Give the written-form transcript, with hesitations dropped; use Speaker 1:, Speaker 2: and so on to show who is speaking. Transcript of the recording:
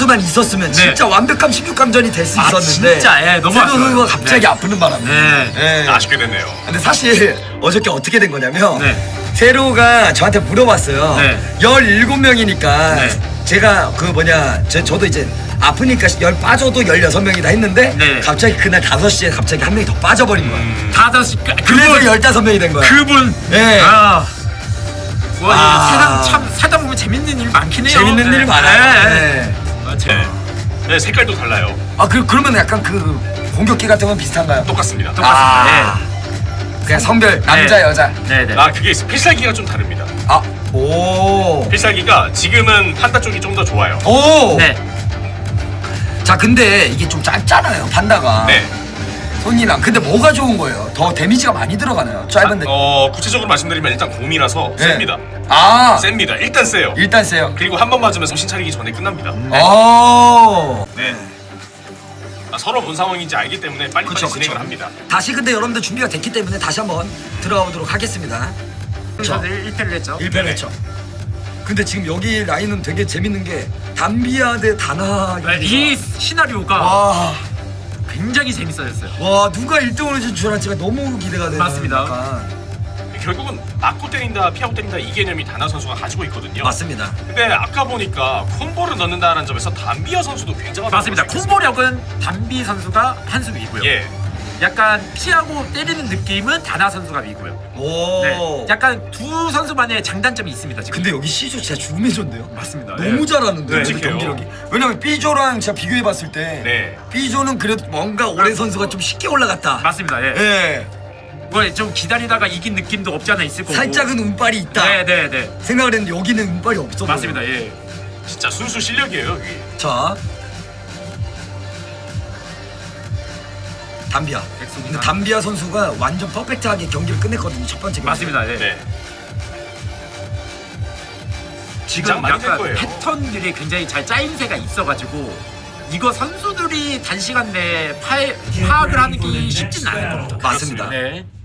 Speaker 1: 선수만 있었으면 진짜 완벽한 16강전이 될 수 있었는데
Speaker 2: 진짜 너무
Speaker 1: 세로 선수가 갑자기 아프는 바람에
Speaker 3: 아쉽게 됐네요.
Speaker 1: 근데 사실 어저께 어떻게 된 거냐면 세로가 저한테 물어봤어요. 17명이니까 제가 저도 이제 아프니까 10 빠져도 16명이다 했는데 갑자기 그날 5시에 갑자기 한 명이 더 빠져버린 거야.
Speaker 2: 5시
Speaker 1: 그래서 15명이 된 거야.
Speaker 2: 그분 와,
Speaker 1: 아.
Speaker 2: 세상 참 살다 보면 재밌는 일 많긴 해요.
Speaker 1: 재밌는 일 많아요.
Speaker 3: 네, 색깔도 달라요.
Speaker 1: 그러면 약간 그 공격기 같은 건 비슷한가요?
Speaker 3: 똑같습니다.
Speaker 1: 그냥 성별 남자 여자.
Speaker 2: 네네.
Speaker 3: 그게 있어요. 필살기가 좀 다릅니다.
Speaker 1: 오.
Speaker 3: 필살기가 지금은 판다 쪽이 좀 더 좋아요.
Speaker 1: 오.
Speaker 2: 네.
Speaker 1: 자, 근데 이게 좀 짧잖아요, 판다가.
Speaker 3: 네.
Speaker 1: 손이랑. 근데 뭐가 좋은 거예요? 더 데미지가 많이 들어가나요? 짧은데.
Speaker 3: 구체적으로 말씀드리면 일단 곰이라서
Speaker 1: 네.
Speaker 3: 셉니다. 셉니다. 일단 세요.
Speaker 1: 일단 세요.
Speaker 3: 그리고 한 번 맞으면 정신 차리기 전에 끝납니다.
Speaker 1: 네.
Speaker 3: 서로 뭔 상황인지 알기 때문에 빨리
Speaker 1: 그쵸,
Speaker 3: 진행을
Speaker 1: 그쵸.
Speaker 3: 합니다.
Speaker 1: 다시 근데 여러분들 준비가 됐기 때문에 다시 한번 들어가 보도록 하겠습니다.
Speaker 2: 저도 1패를 했죠.
Speaker 1: 1패를 했죠. 근데 지금 여기 라인은 되게 재밌는 게 담비아 대 다나.
Speaker 2: 이 시나리오가
Speaker 1: 와.
Speaker 2: 굉장히 재밌어졌어요.
Speaker 1: 와, 누가 1등으로 진출할지가 너무 기대가 되는.
Speaker 2: 맞습니다.
Speaker 1: 약간.
Speaker 3: 결국은 맞고 때린다, 피하고 때린다 이 개념이 다나 선수가 가지고 있거든요.
Speaker 1: 맞습니다.
Speaker 3: 근데 아까 보니까 콤보를 넣는다는 점에서 담비아 선수도 굉장하다고
Speaker 2: 맞습니다.
Speaker 3: 볼수 있습니다.
Speaker 2: 콤보력은 담비 선수가 한 수 위고요. 약간 피하고 때리는 느낌은 다나 선수가 위고요.
Speaker 1: 오.
Speaker 2: 네. 약간 두 선수만의 장단점이 있습니다 지금.
Speaker 1: 근데 여기 C조 진짜 죽음의 조인데요?
Speaker 2: 맞습니다.
Speaker 1: 너무 잘하는데
Speaker 3: 네,
Speaker 1: 지금
Speaker 3: 끔찍해요.
Speaker 1: 경기력이. 왜냐면 B조랑 제가 비교해봤을 때 B조는 그래도 뭔가 올해 선수가 좀 쉽게 올라갔다.
Speaker 2: 맞습니다. 예.
Speaker 1: 예.
Speaker 2: 뭐 좀 기다리다가 이긴 느낌도 없지 않아 있을 거고.
Speaker 1: 살짝은 운빨이 있다.
Speaker 2: 네네네.
Speaker 1: 생각을 했는데 여기는 운빨이 없어.
Speaker 2: 맞습니다. 예.
Speaker 3: 진짜 순수 실력이에요. 여기.
Speaker 1: 자, 담비아. 근데 담비아 선수가 완전 퍼펙트하게 경기를 끝냈거든요. 첫 번째 경기.
Speaker 2: 맞습니다. 예.
Speaker 3: 네.
Speaker 2: 지금
Speaker 3: 많이 될
Speaker 2: 약간
Speaker 3: 거예요.
Speaker 2: 패턴들이 굉장히 잘 짜임새가 있어가지고 이거 선수들이 단시간 내에 파악을 하는 게 쉽진 않을 겁니다.
Speaker 1: 맞습니다.
Speaker 2: 네.